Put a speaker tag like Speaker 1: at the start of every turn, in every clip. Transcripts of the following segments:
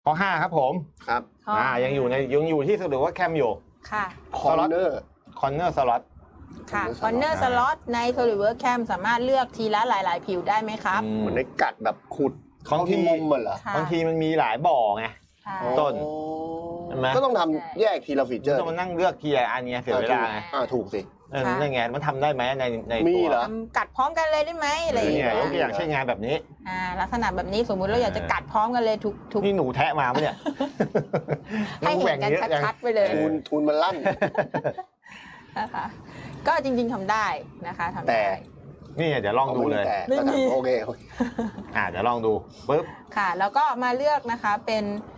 Speaker 1: ข้อ5ครับผม
Speaker 2: ครับ
Speaker 1: ยังอยู่ที่หรือว่าแคมอยู่
Speaker 3: ค่ะ
Speaker 2: คอร์เนอ
Speaker 1: ร์สล็อต
Speaker 3: ค่ะคอนเนอร์สล็อตใน SolidWorks Cam สามารถเลือกทีละหลายๆผิวได้ไหมครับ
Speaker 2: เหมือนในกัดแบบขุด
Speaker 1: บางที
Speaker 2: มุมมันเหรอบ
Speaker 1: างทีมันมีหลายบ่อไงต้น
Speaker 2: ก็ต้องทำแยกทีละฟีเจอร์
Speaker 1: ต้องมานั่งเลือกทีละอันเนี้ยเสียเวลาไง
Speaker 2: ถูกสิ
Speaker 1: นั่นไงมันทำได้ไหมใน
Speaker 2: มีเหรอ
Speaker 3: กัดพร้อมกันเลยได้ไหมอะไรอย่างเงี้ย
Speaker 1: ยกตัวอย่างเช่นงานแบบนี้
Speaker 3: ลักษณะแบบนี้สมมุติเราอยากจะกัดพร้อมกันเลยทุก
Speaker 1: นี่หนูแทะมาปะเนี่ย
Speaker 3: ให้เห็นกันชัดๆไปเลย
Speaker 2: ทุนมันลั่น
Speaker 3: นะคะก็จริงๆทำได้นะคะทำได้
Speaker 1: นี่เดี๋ยวลองดูเลย
Speaker 2: โอเค
Speaker 1: เดี๋ยวลองดูปึ๊บ
Speaker 3: ค่ะแล้วก็มาเลือกนะคะเป็น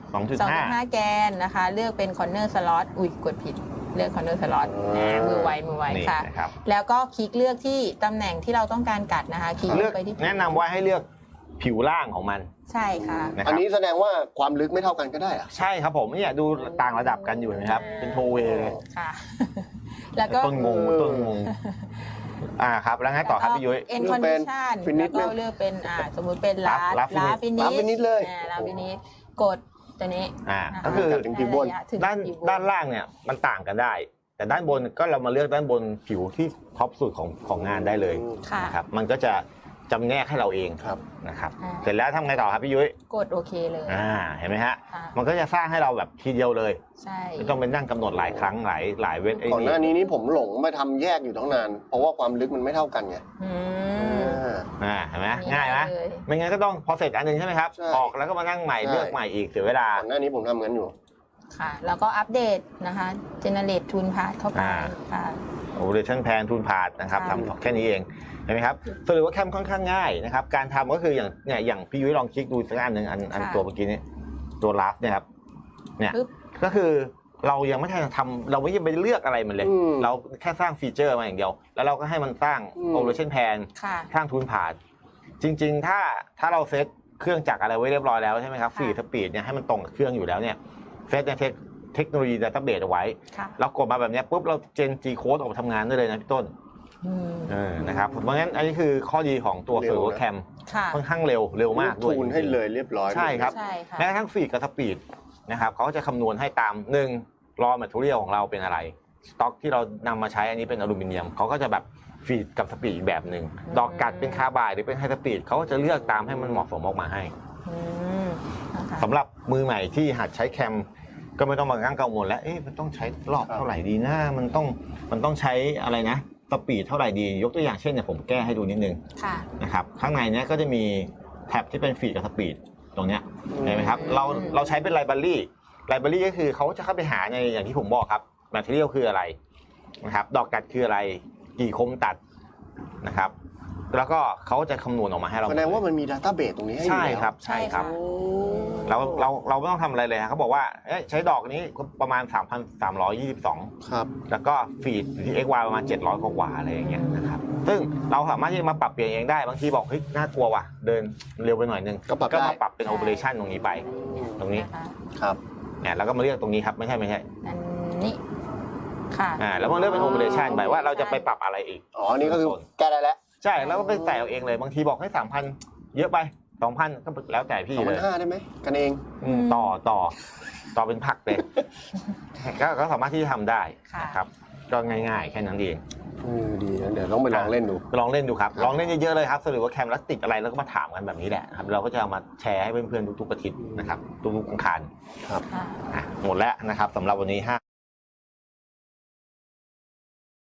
Speaker 3: 2.5 แกนนะคะเลือกเป็นคอนเนอร์สล็อตกดผิดเลือกคอนเนอร์สล็อตมือไวค่ะแล้วก็คลิกเลือกที่ตำแหน่งที่เราต้องการกัดนะคะคลิกไปที่
Speaker 1: แนะนำว่าให้เลือกผิวล่างของมัน
Speaker 3: ใช่ค่ะ
Speaker 2: อันนี้แสดงว่าความลึกไม่เท่ากันก็ได้อะ
Speaker 1: ใช่ครับผมเนี่ยดูต่างระดับกันอยู่นะครับเป็นโทเวเลย
Speaker 3: ค่ะแล้วก็
Speaker 1: ต้นงงครับแล้วไงต่อครับพี่ยุ้ย
Speaker 3: เอ็นคอนดิชันแล้วก็เลือกเป็นสมมุติเป็นลาฟินิช
Speaker 2: เลย
Speaker 3: ลาฟินิชกดตัวนี้
Speaker 1: ก็คือ
Speaker 2: ถึงผิวบน
Speaker 1: ด้านล่างเนี่ยมันต่างกันได้แต่ด้านบนก็เรามาเลือกด้านบนผิวที่ท็อปสุดของงานได้เลยนะครับมันก็จะจำแนกให้เราเองนะครับเสร็จแล้วทำไงต่อครับพี่ยุ้ย
Speaker 3: กดโอเคเลย
Speaker 1: เห็นไหมฮะมันก็จะสร้างให้เราแบบทีเดียวเลย
Speaker 3: ใช่
Speaker 1: ไม่ต้องไปนั่งกำหนดหลายครั้งหลายเวท
Speaker 2: ก่อนหน้านี้นี่ผมหลงมาทำแยกอยู่ตั้งนานเพราะว่าความลึกมันไม่เท่ากันไง
Speaker 1: เห็นไหมง่ายไหมไม่งั้นก็ต้องพอเสร็จอันนึงใช่ไหมครับออกแล้วก็มานั่งใหม่เลือกใหม่อีกเสียเวลา
Speaker 2: ก่อนหน้านี้ผมทำงั้นอยู่
Speaker 3: ค่ะแล้วก็อัปเดตนะคะเจเนเรตทูนพาร์ทเข้าไปค่ะ
Speaker 1: Operation Plan ทูนพาร์ทนะครับทำแค่นี้เองเห็นไหมครับสรุปว่าแคมค่อนข้างง่ายนะครับการทำก็คืออย่างพี่ยุ้ยลองคลิกดูสักอันหนึ่งอันตัวเมื่อกี้นี้ตัวลับเนี่ยครับเนี่ยก็คือเรายังไม่ทันทำเราไม่ยังไปเลือกอะไรมันเลยเราแค่สร้างฟีเจอร์มาอย่างเดียวแล้วเราก็ให้มันสร้าง Operation Plan สร้างทูนพาร์ทจริงๆถ้าเราเซตเครื่องจักรอะไรไว้เรียบร้อยแล้วใช่ไหมครับฟีดสปีดเนี่ยให้มันตรงกับเครื่องอยู่แล้วเนี่ยเซตในเทคโนโลยีดัตต้าเบสเอาไว้เรากดมาแบบนี้ปุ๊บเราเจน G Code ออกมาทำงานได้เลยนะพี่ต้นนะครับเพราะงั้นอันนี้คือข้อดีของตัว SolidWorks Cam ค่อนข้างเร็วมากด้วย
Speaker 2: ทูนให้เลยเรียบร้อย
Speaker 1: ใช่ครับแม้กระทั่งฟีดกับสปีดนะครับเขาจะคำนวณให้ตาม1 raw material ของเราเป็นอะไรสต็อกที่เรานำมาใช้อันนี้เป็นอลูมิเนียมเขาก็จะแบบฟีดกับสปีดอีกแบบหนึ่งดอกกัดเป็นคาร์บายหรือเป็นไฮสปีดเขาก็จะเลือกตามให้มันเหมาะสมออกมาให้สำหรับมือใหม่ที่หัดใช้แคมก็ไม่ต้องมานั่งกังวลแล้วมันต้องใช้รอบเท่าไหร่ดีนะมันต้องใช้อะไรนะสปีดเท่าไหร่ดียกตัวอย่างเช่นเนี่ยผมแก้ให้ดูนิดนึงนะครับข้างในเนี้ยก็จะมีแท็บที่เป็นฟีดกับสปีดตรงเนี้ยเห็นไหมครับเราใช้เป็นไลบรารีก็คือเขาจะเข้าไปหาในอย่างที่ผมบอกครับแมทเทียลคืออะไรนะครับดอกกัดคืออะไรกี่คมตัดนะครับแล้วก็เขาจะคำนวณออกมาให้เรา
Speaker 2: แสดงว่ามันมีดัตต้าเบสตรงนี้ให้
Speaker 1: ใช่ครับเราไม่ต้องทำอะไรเลยเขาบอกว่าใช้ดอกนี้ประมาณ 3,322
Speaker 2: ครับ
Speaker 1: แล้วก็ฟีดอยู่ที่ XY ประมาณ700กว่าอะไรอย่างเงี้ยนะครับซึ่งเราสามารถที่จะมาปรับเปลี่ยนเองได้บางทีบอกเฮ้ยน่ากลัวว่ะเดินเร็วไปหน่อยนึงก็มาปรับเป็น Operation ตรงนี้ไปตรงนี้
Speaker 2: ครับ
Speaker 1: เนี่ยแล้วก็มาเลือกตรงนี้ครับไม่ใช่
Speaker 3: อันนี้ค่ะ
Speaker 1: แล้วมันเลือกเป็น Operation ไปว่าเราจะไปปรับอะไรอีก
Speaker 2: นี่ก็คือแก้ได้แล้ว
Speaker 1: ใช่แล้วก็ไปใส่เอาเองเลยบางทีบอกให้ 3,000 เยอะไป 2,000 ก็แล้วแต่พี่เลย
Speaker 2: 2,500ได้ไหมกันเอง
Speaker 1: ต่อเป็นผักเลยก็สามารถที่จะทำได้ครับก็ง่ายๆแค่นั้นเอง
Speaker 2: ดีนะเดี๋ยวต้องไปลองเล่นดู
Speaker 1: ครับลองเล่นเยอะๆเลยครับสรุปว่าแคมแล้วติดอะไรแล้วก็มาถามกันแบบนี้แหละครับเราก็จะเอามาแชร์ให้เพื่อนๆทุกๆอาทิตย์นะครับทุกๆอังคาร
Speaker 2: ครับ
Speaker 1: หมดแล้วนะครับสำหรับวันนี้